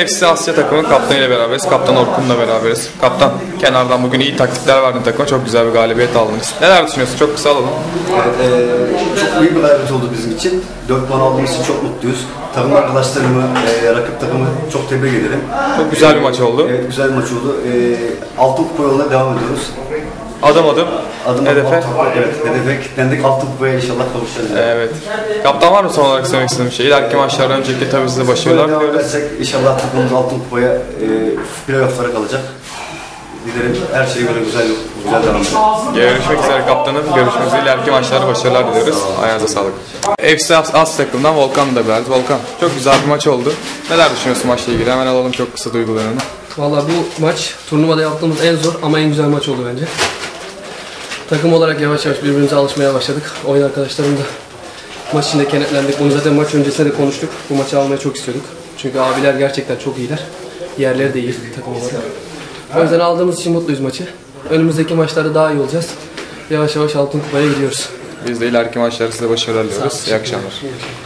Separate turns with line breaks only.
FC Asya takımının kaptanıyla beraberiz. Kaptan Orkun'la beraberiz. Kaptan, kenardan bugün iyi taktikler verdin takıma. Çok güzel bir galibiyet aldınız. Neler düşünüyorsun? Çok kısa alalım.
Çok büyük bir galibiyet oldu bizim için. 4 puan aldığımız için çok mutluyuz. Takım arkadaşlarımı, rakip takımı çok tebrik ederim.
Çok güzel bir maç oldu.
Evet, güzel bir maç oldu. Altın kupa yoluna devam ediyoruz.
Adım hedefe.
Hedefe kilitlendik. Altın kupaya inşallah kavuşacağız.
Evet. Kaptan, var mı son olarak söylemek istediğim bir şey? İleriki maçlardan önceki tabii size başarılar diliyoruz.
İnşallah takımımız altın kupaya playoff'lara kalacak. Dilerim her şey böyle güzel devam eder.
Görüşmek üzere kaptanım. Görüşmek üzere. İleriki maçlarda başarılar diliyoruz. Ayağınıza sağlık. FC Asya takımından Volkan'la da beraberiz. Volkan, çok güzel bir maç oldu. Neler düşünüyorsun maçla ilgili? Hemen alalım çok kısa duygularını.
Valla bu maç turnuvada yaptığımız en zor ama en güzel maç oldu bence. Takım olarak yavaş yavaş birbirimize alışmaya başladık. Oyun arkadaşlarım da maç içinde kenetlendik. Bunu zaten maç öncesinde de konuştuk. Bu maçı almayı çok istiyorduk. Çünkü abiler gerçekten çok iyiler. Diğerleri de iyi takım olarak. O yüzden aldığımız için mutluyuz maçı. Önümüzdeki maçlarda daha iyi olacağız. Yavaş yavaş altın kupaya gidiyoruz.
Biz de ileriki maçlarda size başarılar diliyoruz. İyi akşamlar.